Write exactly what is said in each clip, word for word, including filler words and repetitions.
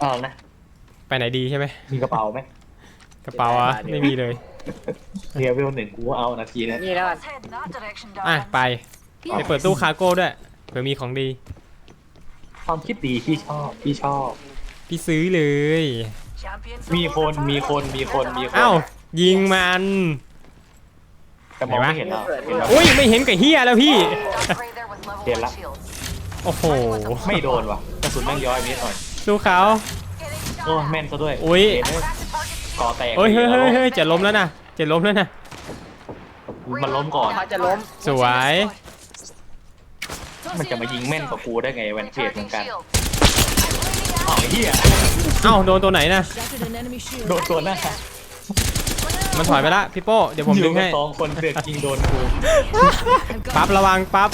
อ้าวนะไปไหนดีใช่ไหมมีกระเป๋าไหมกระเป๋าอ่ะไม่มีเลยเรียวิวหนึ่งกูเอานาทีนี้นี่แล้วอ่ะไปไปเปิดตู้คาร์โก้ด้วยเผื่อมีของดีความคิดดีพี่ชอบพี่ชอบพี่ซื้อเลยมีคนมีคนมีคนมีคนอ้าวยิงมันแต่มองไม่เห็นแล้วอุ้ยไม่เห็นกับเฮียแล้วพี่เห็นละโอ้โหไม่โดนว่ะกระสุนแม่งย้อยนิดหน่อยดูเขาโอ้แม่นซะด้วยอุ้ยก่อแตกเฮ้ยเฮ้ยเฮ้ยเฮ้ยจะล้มแล้วนะจะล้มแล้วนะมันล้มก่อนเขาจะล้มสวยมันจะมายิงแม่นกว่ากูได้ไงแวนเฟียดเหมือนกันอ๋อเฮียเอ้าโดนตัวไหนนะโดนตัวหน้ามันถอยไปละพี่โป้เดี๋ยวผมดึงให้สองคนเสือกยิงโดนกูปั๊บระวังปั๊บ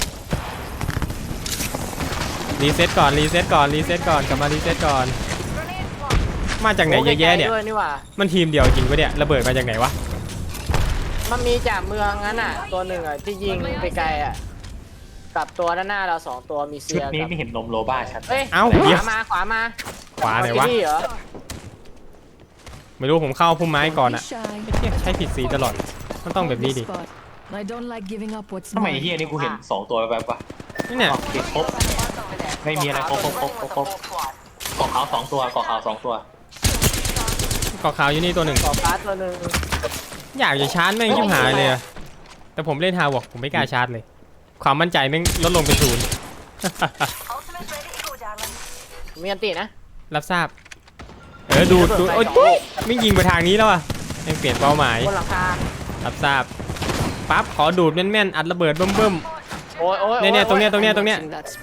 รีเซ็ตก่อนรีเซ็ตก่อนรีเซ็ตก่อนกลับมารีเซ็ตก่อนมาจากไหนเยอะแยะเนี่ยมันทีมเดียวจริงปะเนี่ยระเบิดมาจากไหนวะมันมีจากเมืองนั้นอ่ะตัวหนึ่งอ่ะที่ยิงไปไกลอ่ะกับตัวด้านหน้าเราสองตัวมีเซียชุดนี้ไม่เห็นนมโลบ้าชัดเอ้ยขวามาขวามาขวาไหนวะไม่รู้ผมเข้าพุ่มไม้ก่อนอ่ะใช้ผิดสีตลอดมันต้องแบบนี้ดิทำไมเฮียนี่กูเห็นสองตัวแบบวะนี่เนี่ยติดครบไม่มีอะไรครบครบครบครบครบเกาะขาวสองตัวเกาะขาวสองตัวเกาะขาวอยู่นี่ตัวหนึ่งเกาะฟ้าตัวหนึ่งอยากจะชาร์จแม่งชิบหายเลยแต่ผมเล่นฮาวอกผมไม่กล้าชาร์จเลยความมั่นใจแม่งลดลงเป็นศูนย์มีอันตีนะรับทราบเออดูดูโอ๊ยไม่ยิงไปทางนี้แล้วอ่ะยังเปลี่ยนเป้าหมายบนหลังคารับทราบปั๊บขอดูดแม่นๆอัดระเบิดเบิ่มๆโอ้ยโอ้ยเนี่ยตรงเนี้ยตรงเนี้ยตรงเนี้ย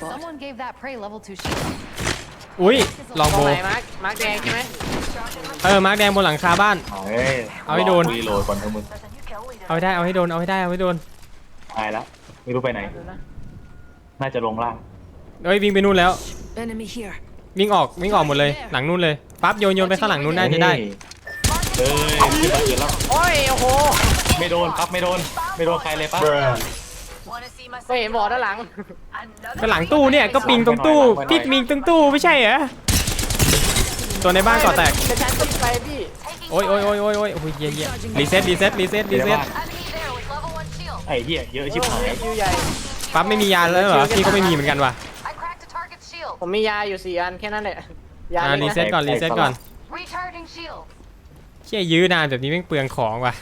อุ้ยลองโบมาร์คมาร์คแดงใช่ไหมเออมาร์คแดงบนหลังคาบ้านเอาให้โดนรีโหลดก่อนเถอะมึงเอาให้ได้เอาให้โดนเอาให้ได้เอาให้โดนตายแล้วไม่รู้ไปไหนน่าจะลงล่างเอ้ยวิ่งไปนู่นแล้ววิ่งออกวิ่งออกหมดเลยหลังนู่นเลยปั๊บโยนโยนไปข้างหลังนู่นน่าจะได้เออขึ้นมาเกินแล้วโอ้ยโอ้โหไม่โดนปั๊บไม่โดนไม่โดนใครเลยปั๊บไม่เห็นบอดด้านหลังก็หลังตู้เนี่ยก็ปิงตรงตู้พิกมิงตรงตู้ไม่ใช่เหรอตัวในบ้านก่อแตกฉันต้องไปพี่โอ้ยโอ้ยโอ้ยโอ้ยโอ้ยโอ้ยเยี่ยเยี่ยรีเซ็ตรีเซ็ตรีเซ็ตรีเซ็ตไอ้เหี้ยเยอะชิบหายปั๊บไม่มียาแล้วเหรอพี่ก็ไม่มีเหมือนกันว่ะผมมียาอยู่สี่อันแค่นั้นแหละยารีเซ็ตก่อนรีเซ็ตก่อนเชี่ยยื้อนานแบบนี้แม่งเปลืองของว่ะ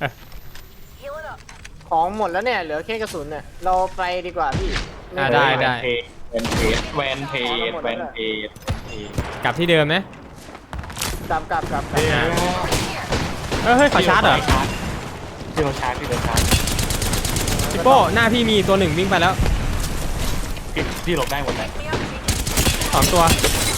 ของหมดแล้วเนี่ยเหลือแค่กระสุนเนี่ยเราไปดีกว่าพี่อ่าได้ได้แวนเพจแวนเพจแวนเพจกลับที่เดิมไหมกลับกลับกลับเฮ้ยขอชาร์จเหรอที่เราชาร์จที่เราชาร์จพี่โป้หน้าพี่มีตัวหนึ่งวิ่งไปแล้วพี่หลบได้หมดเลยสองตัว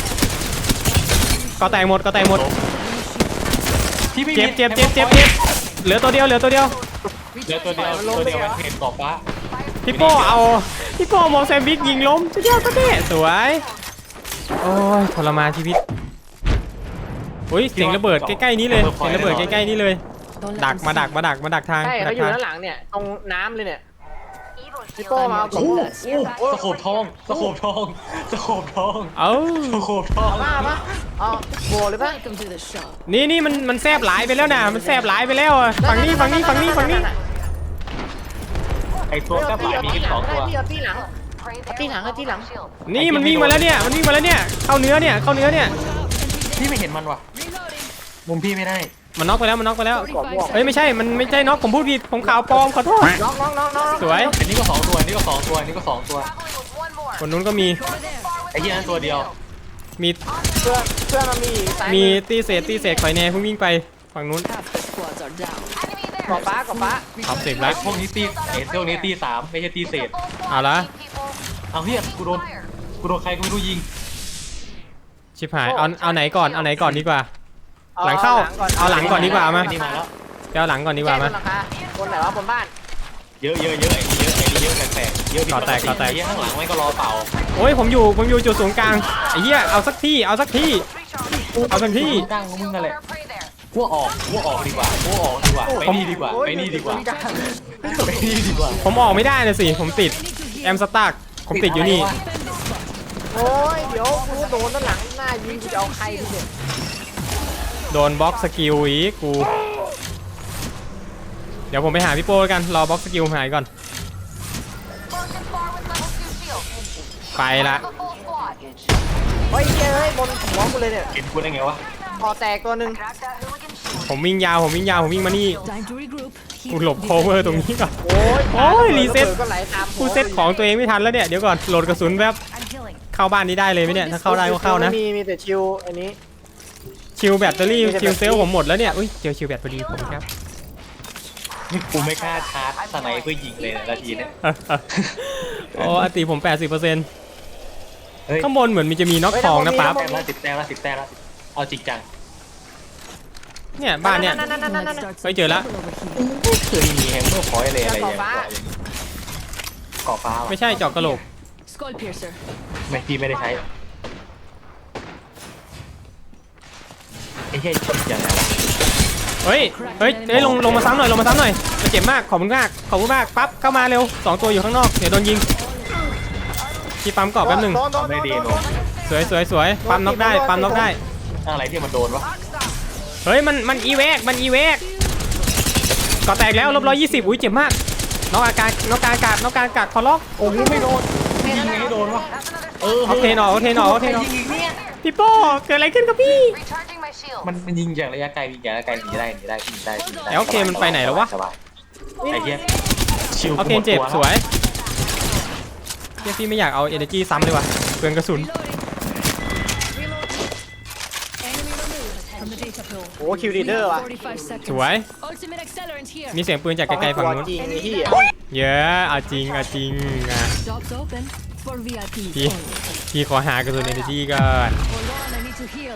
ก็แตกหมดก็แตกหมดเจ็บเจ็บเจ็บเจ็บเจ็บเหลือตัวเดียวเหลือตัวเดียวเหลือตัวเดียวตัวเดียวเพจกอบฟ้าพี่โป้เอาพี่โป้มองแซมบิ๊กยิงล้มสุดยอดก็เท่สวยโอ้ยทรมานชีวิตอุ้ยเสียงระเบิดใกล้ๆนี้เลยเสียงระเบิดใกล้ๆนี้เลยดักมาดักมาดักมาดักทางใช่เขาอยู่ด้านหลังเนี่ยตรงน้ำเลยเนี่ยพี่โป้มาโอ้โหสโคปทองสโคปทองสโคปทองเอ้าสโคปทองมาปะเอาโบเลยปะนี่นี่มันมันแซบหลายไปแล้วนะมันแซบหลายไปแล้วอ่ะฝั่งนี้ฝั่งนี้ฝั่งนี้ฝั่งนี้ไอตัวแซบหลายมีกันสองตัวที่หลังที่หลังที่หลังนี่มันวิ่งมาแล้วเนี่ยมันวิ่งมาแล้วเนี่ยเข้าเนื้อเนี่ยเข้าเนื้อเนี่ยพี่ไม่เห็นมันว่ะมุมพี่ไม่ได้มันน็อกไปแล้วมันน็อกไปแล้วเฮ้ยไม่ใช่มันไม่ใช่น็อกผมพูดผิดผมข่าวปลอมขอโทษน็อกน็อกน็อกน็อกสวยอันนี้ก็สองตัวอันนี้ก็สองตัวอันนี้ก็สองตัวคนนู้นก็มีไอ้เหี้ยนั่นตัวเดียวมีเพื่อนเพื่อนมันมีมีตีเศษตีเศษคอยแน่เพิ่งวิ่งไปฝั่งนู้นกอบฟ้ากอบฟ้าขอบเสกแล้วพวกนี้ตีเอทพวกนี้ตีสามไม่ใช่ตีเศษเอาละเอาเฮียกูโดนกูโดนใครก็ไม่รู้ยิงชิบหายเอาเอาไหนก่อนเอาไหนก่อนดีกว่าหลังเข้าเอาหลังก่อนดีกว่ามาเดี๋ยวหลังก่อนดีกว่ามาบนไหนวะบนบ้านเยอะเยอะเยอะไอ้นี่เยอะไอ้นี่เยอะแตกเยอะก่อแตกก่อแตกข้างหลังไม่ก็รอเป่าโอ้ยผมอยู่ผมอยู่จุดศูนย์กลางไอ้เหี้ยเอาสักที่เอาสักที่เอาสักที่กลางมึงนั่นแหละพวกออกพวกออกดีกว่าพวกออกดีกว่าไปนี่ดีกว่าไปนี่ดีกว่าไปนี่ดีกว่าผมออกไม่ได้เลยสิผมติดแอมสตาร์ผมติดอยู่นี่โอ้ยเดี๋ยวกูโดนด้านหลังหน้ายิงกูจะเอาใครดิเนี่ยโดนบล็อกสกิลอีกกูเดี๋ยวผมไปหาพี่โป้แล้วกันรอบล็อกสกิลหายก่อนไปละเฮ้ยเฮ้ยบนหัวกูเลยเนี่ยเห็นกูได้ไงวะคอแตกตัวหนึ่งผมวิ่งยาวผมวิ่งยาวผมวิ่งมานี่กูหลบโคเวอร์ตรงนี้ก่อนโอ้ยโอ้ยรีเซ็ตก็ไหลตามหัวกูเซ็ตของตัวเองไม่ทันแล้วเนี่ยเดี๋ยวก่อนโหลดกระสุนแบบเข้าบ้านนี้ได้เลยไหมเนี่ยถ้าเข้าได้ก็เข้านะไม่มีมีแต่ชิวอันนี้ชิลแบตเตอรี่ชิลเซลล์ผมหมดแล้วเนี่ยอุ้ยเจอชิลแบตพอดีผมครับนี่กูไม่กล้าชาร์จสไนเพื่อยิงเลยนาทีเนี้ยโอ้อติผม แปดสิบเปอร์เซ็นต์เฮ้ยข้างบนเหมือนมันจะมีน็อกทองนะปั๊บแต้มละสิบแต้มละสิบแต้มละสิบเอาจริงจังเนี่ยบ้านเนี่ยไปเจอแล้วไม่เคยมีแฮมเมอร์พอยต์เลยอะไรอย่างเงี้ยเกาะฟ้าไม่ใช่เจาะกระโหลก Skull piercer. ไม่พี่ไม่ได้ใช้ไอ้เหี้ยอย่างไรวะเฮ้ยเฮ้ยเฮ้ยลงลงมาซ้ำหน่อยลงมาซ้ำหน่อยมันเจ็บมากขอบคุณมากขอบคุณมากปั๊บเข้ามาเร็วสองตัวอยู่ข้างนอกเดี๋ยวโดนยิงพี่ปั๊มกรอบแป๊บหนึงโดนโดนทำโดได้นดีโดโนนสวยสวยสวยปั๊มน็อกได้ปั๊มน็อกได้อะไรที่มันโดนวะเฮ้ยมันมันอีเวกมันอีเวกก่อแตกแล้วลบร้อยยี่สิบอุ้ยเจ็บมากน็อกอาการน็อกการอากาศน็อกการอากาศคอล็อกโอ้ยไม่โดนยิงไงให้โดนวะเออเอาเทนออกเอาเทนออกเอาเทนออกพี่โป้เกิดอะไรขึ้นกับพี่ Recharging my shield. มันมันยิงจากระยะไกลยิงจากระยะไกลหนีได้หนีได้หนีได้หนีได้แล้วโอเคมันไปไหนแล้ววะสบายไอ้เหี้ยชิวเอาเทนเจ็บสวยเฮียพี่ไม่อยากเอาเอเนจีซ้ำเลยว่ะเปลืองกระสุน Enemy removed from the data pool. โอ้คิวดีเดอร์ว่ะ forty-five seconds. สวย Ultimate accelerant here. มีเสียงปืนจากไกลๆฝั่งนู้นจริงไอ้ที่เยอะเอาจริงเอาจริงอ่ะ Doors open for วี ไอ พีพี่ only. พี่ขอหากระสุนเอเนจีก่อน Hold on, I need to heal.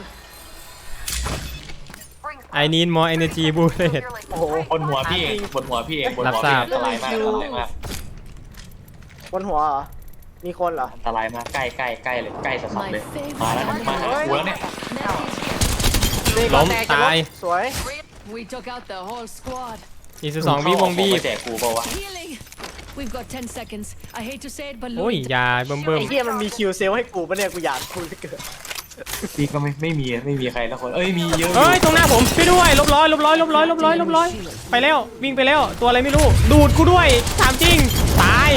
I need more energy bullet โอ้โหบนหัวพี่เองบนหัวพี่เองบนหัวรับทพี่ราบอันตรายมากอันตรายมากบนหัวเหรอมีคนเหรออันตรายมากใกล้ใกล้ใกล้เลยใกล้สัสๆ My เลย favorite มาแล้วนะมาหากูแล้วเนี่ย Net is here. ล้มแจะตายสวย We took out the whole squad. อีกสิบสองวิวงบีไปแจกกูเปล่าวะ Healing. We've got ten seconds. I hate to say it, but โอ้ย Louis. ยาเบิ่มเบิ่มไอ้เหี้ยมันมีคิวเซลให้กูปะเนี่ยกูอยากคุยเหลือเกินพี่ก็ไม่ไม่มีไม่มีใครละคนเอ้ยมีเยอะอเฮ้ยู่ยตรงหน้าผมช่วยด้วยลบร้อยลบร้อยลบร้อยลบร้อยลบร้อยไปแล้ววิ่งไปแล้วตัวอะไรไม่รู้ดูดกูด้วยถามจริงตาย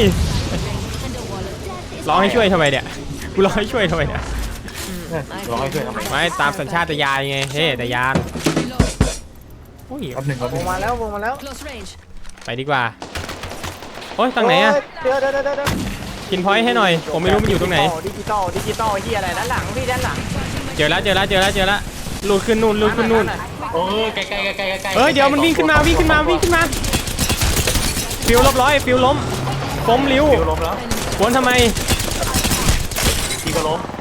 ร้องให้ช่วยทำไมเนี่ยกูร้องให้ช่วยทำไมเนี่ยร้องให้ช่วยทำไมไม่ตามสัญชาตญาณไงเฮ้แต่ยาน Reload. โอ้ยแป๊บหนึ่งแป๊บหวนึ่งงมาแล้ววงมาแล้ว Close range. ไปดีกว่าโอ้ยตรงไหนอะโยเดี๋ยวเดี๋ยวเดี๋ยวเดี๋ยวกินพอยต์ให้หน่อยผมไม่รู้มันอยู่ตรงไหนดิจิตอลดิจิตอลไอ้เหี้ยอะไรด้านหลังพี่ด้านหลังเจอแล้วเจอแล้วเจอแล้วเจอแล้วลูดขึ้นนู่นลูดขึ้นนู่นโอ้ยใกล้ใกล้ใกล้ใกล้ใกล้เอ้ยเดี๋ยวมันวิ่งขึ้นมาวิ่งขึ้นมาวิ่งขึ้นมาฟิวลบร้อยฟิวล้มล้มริ้วฟิวล้มแล้ววนทำไมพี่ก็ล้ม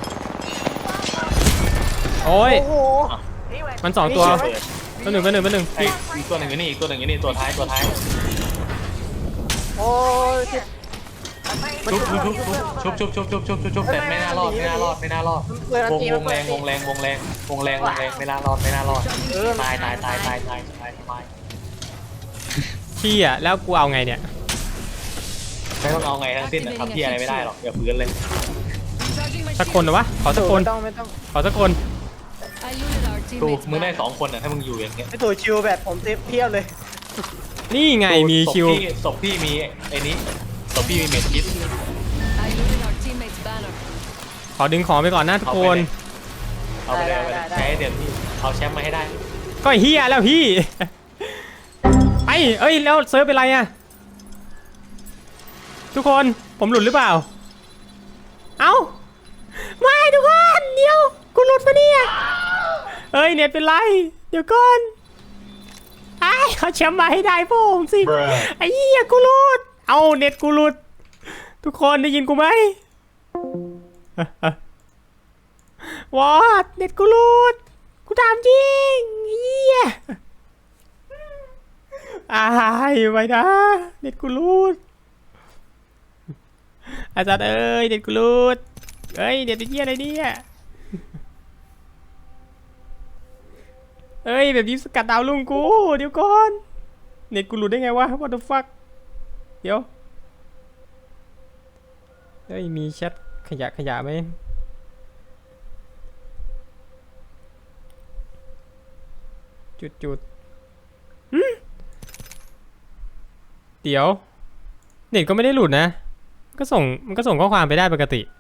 โอ้ยโอ้โหมันสองตัวเปิดตัวหนึ่งตัวหนึ่งตัวหนึ่งไอ้อีกตัวหนึ่งอยู่นี่อีกตัวหนึ่งอยู่นี่ตัวท้ายตัวท้ายโอ้ยชุบชุบชุบชุบชุบชุบชุบชุบชุบชุบแต่ไม่น่ารอดไม่น่ารอดไม่น่ารอดวงวงแรงวงแรงวงแรงวงแรงวงแรงไม่น่ารอดไม่น่ารอดเออตายตายตายตายตายตายตายขี้อ่ะแล้วกูเอาไงเนี่ยไม่ต้องเอาไงทั้งสิ้นทำที่อะไรไม่ได้หรอกอย่าฟื้นเลย Recharging my สักคนเหรอวะขอสักคนไม่ต้องไม่ต้องขอสักคน I looted our ตู teammates. มึงได้ back. สองคนอ่ะถ้ามึงอยู่อย่างเงี้ยไอ้ตัวชิวแบบผมเต็มเพียบเลยนี่ไงมีคิวศพพี่ศพพี่มีไอ้นี้ศพพี่มีเม็ดคิด I looted our teammates' banner. ขอดึงของไปก่อนนะทุกคนเอาไปเลยเอาไปเลยใช้เดี๋ยวพี่เอาแชมป์มาให้ได้ก็เฮียแล้วพี่ ไปเอ้ยแล้วเซิร์ฟเป็นไรอะทุกคนผมหลุดหรือเปล่าเอ้าไม่ทุกคนเดี๋ยวกูหลุดปะเนี่ยเอ้ยเน็ตเป็นไรเดี๋ยวก่อนไอ้เขาแชมป์มาให้ได้พวกผมสิไอ้เหี้ยกูหลุดเอาเน็ตกูหลุดทุกคนได้ยินกูไหม วอดเน็ตกูหลุดกูถามจริงเหี้ยอายไปนะเน็ตกูหลุดอาจารย์เอ้ยเน็ตกูหลุดเอ้ยเน็ตเป็นเหี้ยอะไรเนี่ยเอ้ยแบบนี้สกัดดาวลุงกูเดี๋ยวก่อนเน็ตกูหลุดได้ไงวะ what the fuck เดี๋ยวเฮ้ยมีแชทขยะขยะไหมจุดจุดหืมเดี๋ยวเน็ตก็ไม่ได้หลุดนะก็ส่งมันก็ส่งข้อความไปได้ปกติ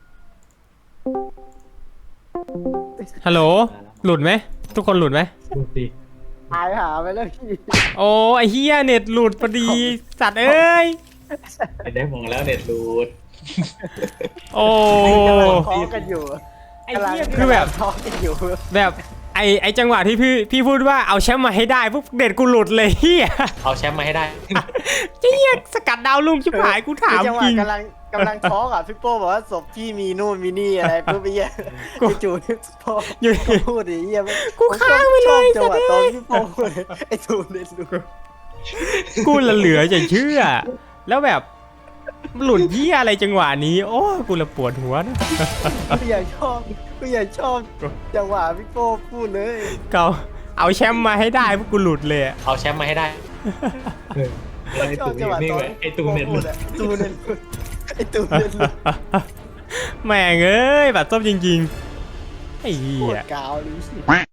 ฮัลโหลหลุดไหมทุกคนหลุดไหมดูสิหายหาไปแล้วพี่โอ้ไอเฮียเน็ตหลุดพอดีสัตว์เอ้ยเห็นได้มองแล้วเน็ตรูดโอ้กำลังท้องกันอยู่ไอ้เหี้ยคือแบบท้องกันอยู่แบบไอไอจังหวะที่พี่พี่พูดว่าเอาแชมป์มาให้ได้ปุ๊บเด็ดกูหลุดเลยเฮียเอาแชมป์มาให้ได้เฮียสกัดดาวลุงชิบหายกูถามคือจังหวะจริงกำลังกำลังท้องอ่ะพี่โป้บอกว่าศพพี่มีนู่นมีนี่อะไรปุ๊บไอ้เหี้ยกูจู่ๆพี่โป้อยู่พูดไอ้เหี้ยกูค้างไปเลยผมชอบจังหวะสัตว์ตอนเอ้ยพี่โป้พูดเลยไอ้ทูเล่นดูกูละเหลือจะเชื่อ แล้วแบบหลุดเฮียอะไรจังหวะนี้ โอ้กูละปวดหัวนะกูอยากชอบกูอยากชอบจังหวะพี่โป้พูดเลยเขาเอาแชมป์มาให้ได้พวกกูหลุดเลยอะเอาแชมป์มาให้ได้ไอ้ชอตูบจังหวะนี่ตอนไงไอ้ตูเน็ตพูรูดดอะไอ้ตูเน็ตรูดไอ้ตูเน็ตรูดแม่งเอ้ยแบบส้มจริงๆไอ้เหี้ปวดยกาวเลย